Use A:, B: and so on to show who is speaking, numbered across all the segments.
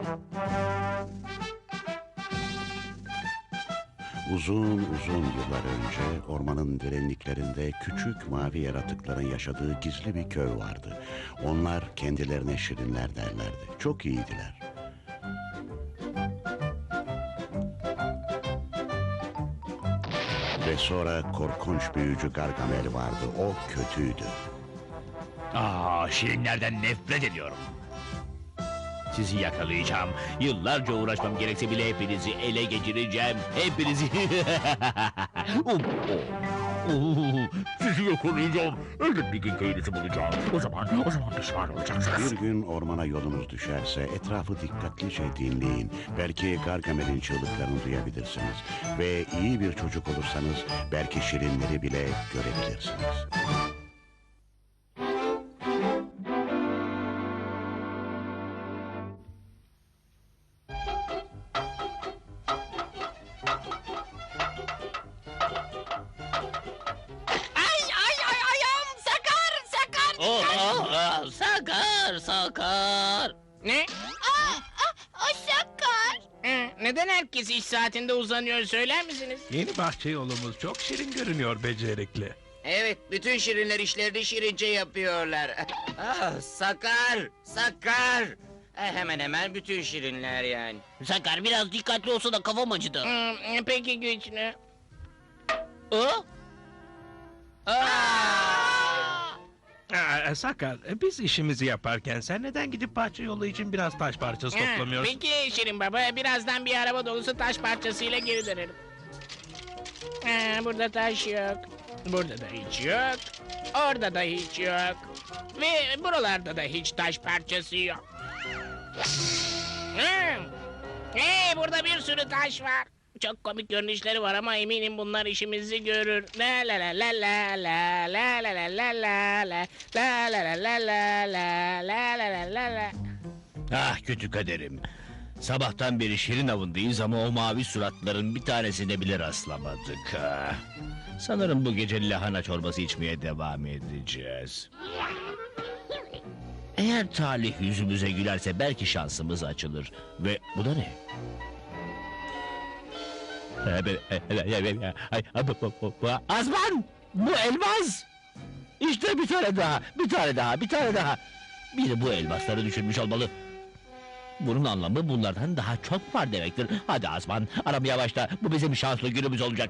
A: Uzun uzun yıllar önce ormanın derinliklerinde küçük mavi yaratıkların yaşadığı gizli bir köy vardı. Onlar kendilerine şirinler derlerdi. Çok iyiydiler. Ve sonra korkunç büyücü Gargamel vardı. O kötüydü.
B: Şirinlerden nefret ediyorum. Sizi yakalayacağım. Yıllarca uğraşmam gerekse bile hepinizi ele geçireceğim. Hepinizi... Sizi yakalayacağım. Elbet bir gün köyünüzü bulacağım. O zaman pişman olacaksınız.
A: Bir gün ormana yolunuz düşerse etrafı dikkatlice dinleyin. Belki Gargamel'in çığlıklarını duyabilirsiniz. Ve iyi bir çocuk olursanız belki şirinleri bile görebilirsiniz.
C: Ayağım sakar.
B: Sakar.
D: Ne?
C: O sakar.
D: Neden herkes iş saatinde uzanıyor söyler misiniz?
E: Yeni bahçe yolumuz çok şirin görünüyor becerikli.
F: Evet, bütün şirinler işlerini şirince yapıyorlar. Sakar. Hemen hemen bütün şirinler yani.
B: Sakar biraz dikkatli olsa da kafam acıdı.
D: Peki güçlü.
E: Sakar, biz işimizi yaparken sen neden gidip bahçe yolu için biraz taş parçası toplamıyorsun?
D: Peki Şirin Baba, birazdan bir araba dolusu taş parçasıyla geri dönerim. Burada taş yok. Burada da hiç yok. Orada da hiç yok. Ve buralarda da hiç taş parçası yok. Hey, burada bir sürü taş var. Çok komik görünüşleri var ama eminim bunlar işimizi görür. La la la la la la la la la la la la la la la la la la la la.
B: Ah kötü kaderim. Sabahtan beri şirin avındayız ama o mavi suratların bir tanesine bile rastlamadık. Sanırım bu gece lahana çorbası içmeye devam edeceğiz. Eğer talih yüzümüze gülerse belki şansımız açılır. Ve bu da ne? Azman! Bu elmas! İşte bir tane daha. Biri bu elmasları düşürmüş olmalı. Bunun anlamı bunlardan daha çok var demektir. Hadi Azman, aramaya başla. Bu bizim şanslı günümüz olacak.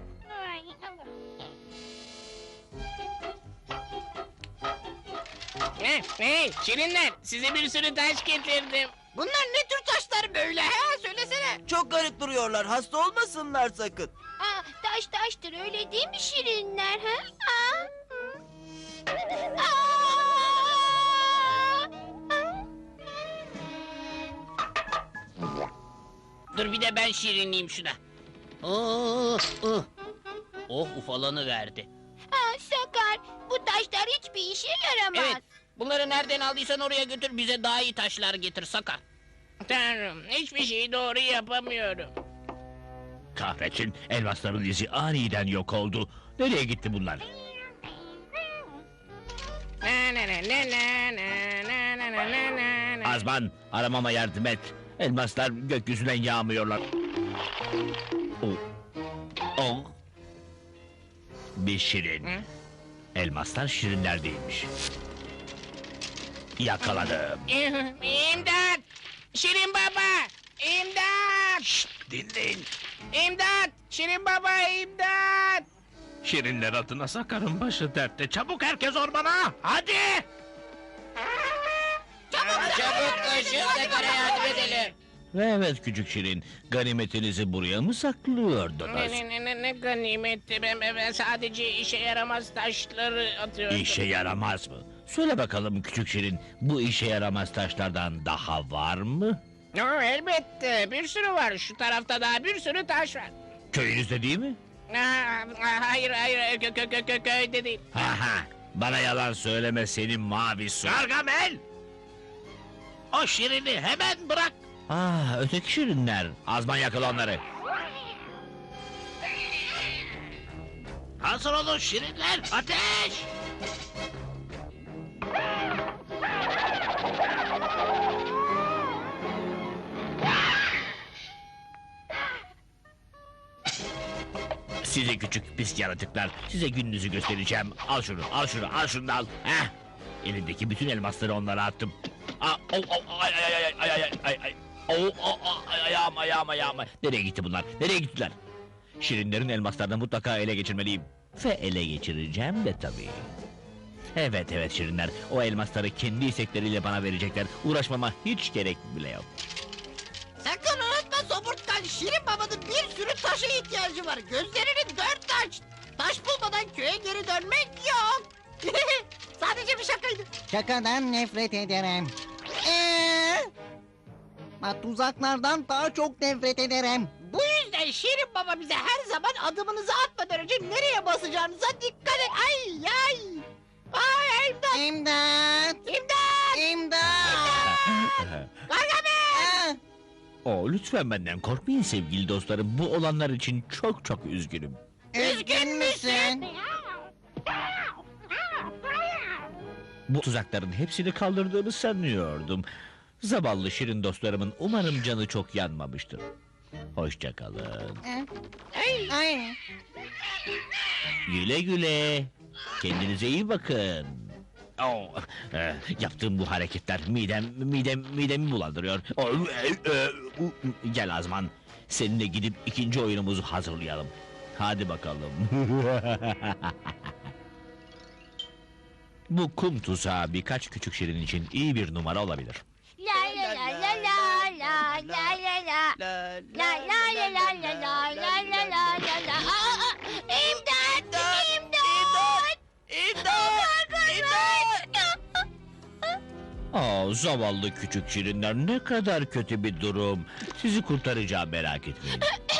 D: Hey, şirinler, size bir sürü taş getirdim.
C: Bunlar ne tür taşlar böyle ha? Söylesene.
F: Çok garip duruyorlar, hasta olmasınlar sakın.
C: Taş taştır öyle değil mi şirinler ha?
D: Dur bir de ben şirinleyeyim şuna. Ufalanı verdi.
C: Sakar, bu taşlar hiçbir işe yaramaz.
D: Evet, bunları nereden aldıysan oraya götür, bize daha iyi taşlar getir Sakar. Tanrım, hiçbir şeyi doğru yapamıyorum.
B: Kahretsin, elmasların izi aniden yok oldu. Nereye gitti bunlar? Azman, aramama yardım et. Elmaslar gökyüzünden yağmıyorlar. Bir şirin. Elmaslar şirinler değilmiş. Yakaladım.
D: İmdat! Şirin Baba! İmdat!
E: Dinleyin.
D: İmdat! Şirin Baba, imdat!
E: Şirinler adına Sakar'ın başı dertte. Çabuk herkes ormana! Hadi!
F: Çabuk koşun, Sakar'a yardım edelim.
B: Evet küçük şirin, ganimetinizi buraya mı saklıyordunuz?
D: Ne ganimetti, ben sadece işe yaramaz taşları atıyordum.
B: İşe yaramaz mı? Söyle bakalım küçük şirin, bu işe yaramaz taşlardan daha var mı?
D: Elbette, bir sürü var. Şu tarafta daha bir sürü taş var.
B: Köyünüzde değil mi?
D: Hayır, köyde değil.
B: Bana yalan söyleme senin mavi su.
E: Gargamel! O şirini hemen bırak!
B: Öteki şirinler. Azman yakala onları.
E: Hazır olun şirinler, ateş!
B: Size küçük pis yaratıklar. Size gününüzü göstereceğim. Al şunu, al şunu, al şunu da al. Heh. Elimdeki bütün elmasları onlara attım. Ay ay ay ay ay ay ay ay. Ayağım. Nereye gitti bunlar? Nereye gittiler? Şirinlerin elmaslarını mutlaka ele geçirmeliyim. Ve ele geçireceğim de tabii. Evet Şirinler. O elmasları kendi istekleriyle bana verecekler. Uğraşmama hiç gerek bile yok.
G: Sakın unutma Somurtkan, Şirin Baba'nın bir sürü taşa ihtiyacı var. Gözlerini dört aç. Taş bulmadan köye geri dönmek yok. Sadece bir şakaydı.
H: Şakadan nefret ederim. Tuzaklardan daha çok nefret ederim.
G: Bu yüzden Şirin Baba bize her zaman adımınızı atmadan önce nereye basacağınıza dikkat et. Ay ay. Ay imdat.
H: İmdat!
G: İmdat.
H: İmdat!
G: Gargamel.
B: Lütfen benden korkmayın sevgili dostlarım. Bu olanlar için çok üzgünüm.
H: Üzgün müsün?
B: Bu tuzakların hepsini kaldırdığını sanıyordum. Zavallı şirin dostlarımın umarım canı çok yanmamıştır. Hoşça kalın.
H: Ay.
B: Güle güle. Kendinize iyi bakın. Yaptığım bu hareketler midemi bulandırıyor. Gel Azman. Seninle gidip ikinci oyunumuzu hazırlayalım. Hadi bakalım. Bu kum tuzağı birkaç küçük şirin için iyi bir numara olabilir.
C: La la la la la la la la la. La la la la la la la la la la la. İmdat! İmdat!
B: Zavallı küçük şirinler, ne kadar kötü bir durum. Sizi kurtaracağım, merak etmeyin.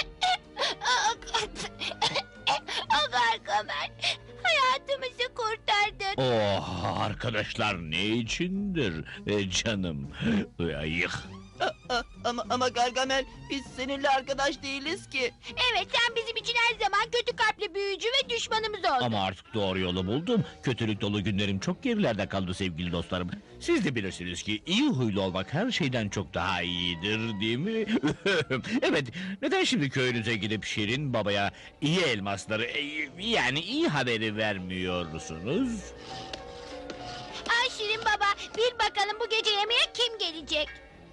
C: Gargamel, hayatımızı kurtardın.
B: Arkadaşlar ne içindir canım. Ayık.
G: Ama Gargamel, biz seninle arkadaş değiliz ki.
C: Evet, sen bizim için her zaman kötü kalpli büyücü ve düşmanımız oldun.
B: Ama artık doğru yolu buldum. Kötülük dolu günlerim çok gerilerde kaldı sevgili dostlarım. Siz de bilirsiniz ki iyi huylu olmak her şeyden çok daha iyidir, değil mi? Evet, neden şimdi köyünüze gidip Şirin Baba'ya iyi elmasları, yani iyi haberi vermiyorsunuz?
C: Ay Şirin Baba, bir bakalım bu gece yemeğe kim gelecek?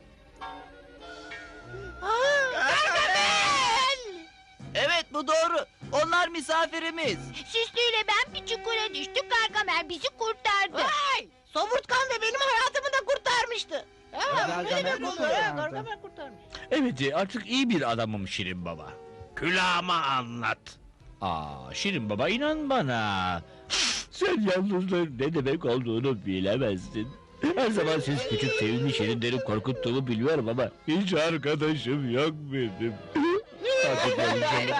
G: Gargamel! Evet, bu doğru. Onlar misafirimiz.
C: Süslü ile ben bir çukura düştük, Gargamel bizi kurtardı.
G: Vay! Somurtkan ve benim hayatımı da kurtarmıştı. Gargamel kurtarmış.
B: Evet, artık iyi bir adamım Şirin Baba.
E: Külahıma anlat.
B: Şirin Baba, inan bana. Sen yalnızlığın ne demek olduğunu bilemezsin. Her zaman siz küçük sevimli şirinleri korkuttuğumu biliyorum ama hiç arkadaşım yok benim. Artık görüşelim.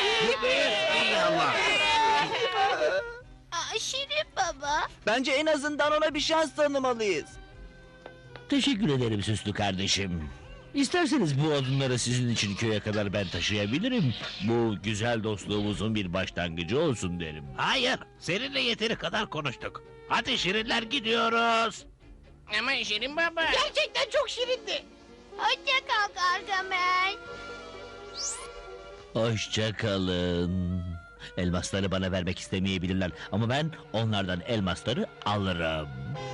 C: Şirin Baba.
G: Bence en azından ona bir şans tanımalıyız.
B: Teşekkür ederim süslü kardeşim. İsterseniz bu odunları sizin için köye kadar ben taşıyabilirim. Bu güzel dostluğumuzun bir başlangıcı olsun derim.
E: Hayır, seninle yeteri kadar konuştuk. Hadi şirinler, gidiyoruz.
D: Ama Şirin Baba.
G: Gerçekten çok şirindi.
C: Hoşça kal Gargamel.
B: Hoşça kalın. Elmasları bana vermek istemeyebilirler ama ben onlardan elmasları alırım.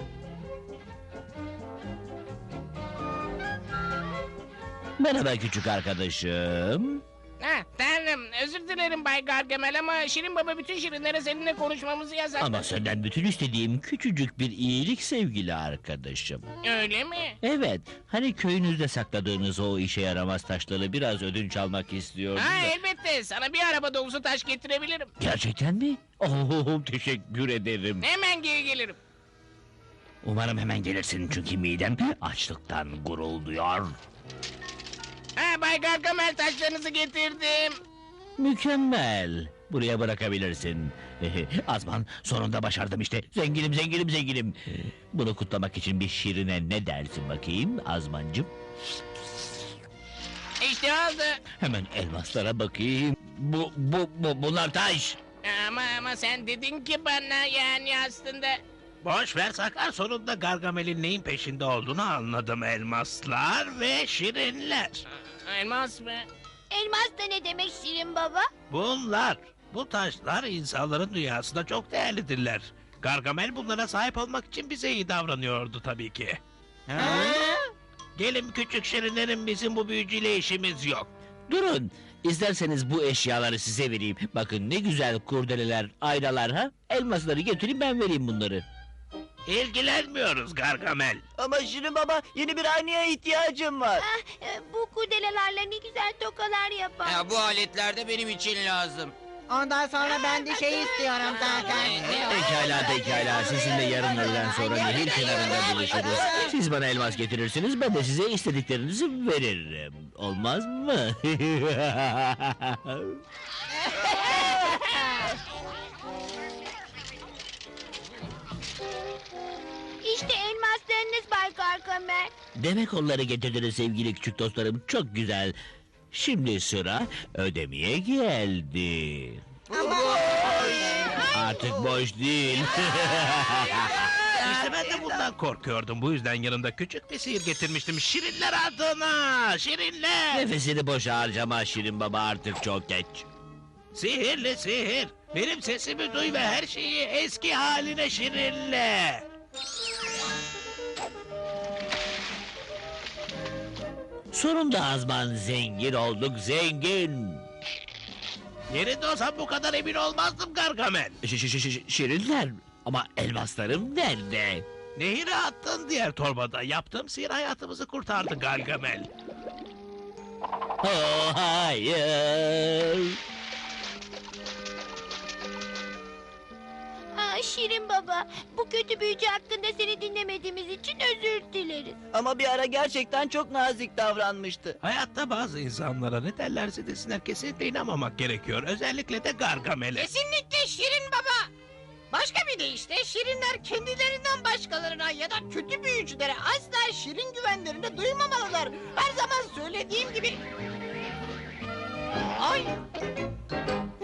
B: Merhaba küçük arkadaşım.
D: Tanrım, özür dilerim Bay Gargamel ama Şirin Baba bütün şirinlere seninle konuşmamızı yasakladı.
B: Ama senden bütün istediğim küçücük bir iyilik sevgili arkadaşım.
D: Öyle mi?
B: Evet, hani köyünüzde sakladığınız o işe yaramaz taşları biraz ödünç almak istiyordum da.
D: Elbette, sana bir araba dolusu taş getirebilirim.
B: Gerçekten mi? Teşekkür ederim.
D: Hemen geri gelirim.
B: Umarım hemen gelirsin çünkü midem açlıktan gurulduyor.
D: Bay Gargamel, taşlarınızı getirdim.
B: Mükemmel. Buraya bırakabilirsin. Azman, sonunda başardım işte. Zenginim. Bunu kutlamak için bir şirine ne dersin bakayım Azmancığım?
D: İşte oldu.
B: Hemen elmaslara bakayım. Bunlar taş.
D: Ama sen dedin ki bana, yani aslında...
E: Boş ver Sakar, sonunda Gargamel'in neyin peşinde olduğunu anladım. Elmaslar ve şirinler.
D: Elmas mı?
C: Elmas da ne demek Şirin Baba?
E: Bunlar Bu taşlar insanların dünyasında çok değerlidirler. Gargamel bunlara sahip olmak için bize iyi davranıyordu tabii ki. Gelin küçük şirinlerim, bizim bu büyücüyle işimiz yok.
B: Durun. İsterseniz bu eşyaları size vereyim. Bakın ne güzel kurdeleler, aynalar ha. Elmasları getireyim ben vereyim bunları.
E: İlgilenmiyoruz Gargamel.
H: Ama Şirin Baba yeni bir aynaya ihtiyacım var.
C: Bu kurdelelerle ne güzel tokalar yapar.
F: Bu aletler de benim için lazım.
H: Ondan sonra ben de şey istiyorum zaten.
B: Pekala. Sizinle yarın öğleden sonra nehir kenarında buluşuruz. Siz bana elmas getirirsiniz, ben de size istediklerinizi veririm. Olmaz mı?
C: İşte elmaslarınız Bay Gargamel.
B: Demek onları getirdiniz sevgili küçük dostlarım. Çok güzel. Şimdi sıra ödemeye geldi. Artık boş değil.
E: İşte ben de bundan korkuyordum. Bu yüzden yanımda küçük bir sihir getirmiştim. Şirinler adına! Şirinler!
B: Nefesini boşa harcama Şirin Baba, artık çok geç.
E: Sihirli sihir! Benim sesimi duy ve her şeyi eski haline şirinle!
B: Sonunda Azman zengin olduk, zengin.
E: Yerinde olsam bu kadar emin olmazdım Gargamel.
B: Şirinler, ama elmaslarım nerede?
E: Nehire attın diğer torbada. Yaptığım sihir hayatımızı kurtardı Gargamel.
B: Oh, hayır.
C: Şirin Baba, bu kötü büyücü hakkında seni dinlemediğimiz için özür dileriz.
H: Ama bir ara gerçekten çok nazik davranmıştı.
E: Hayatta bazı insanlara ne derlerse desinler kesinlikle inanmamak gerekiyor. Özellikle de Gargamel'e.
G: Kesinlikle Şirin Baba. Başka bir deyişle şirinler kendilerinden başkalarına ya da kötü büyücülere asla şirin güvenlerini duymamalılar. Her zaman söylediğim gibi... Ay!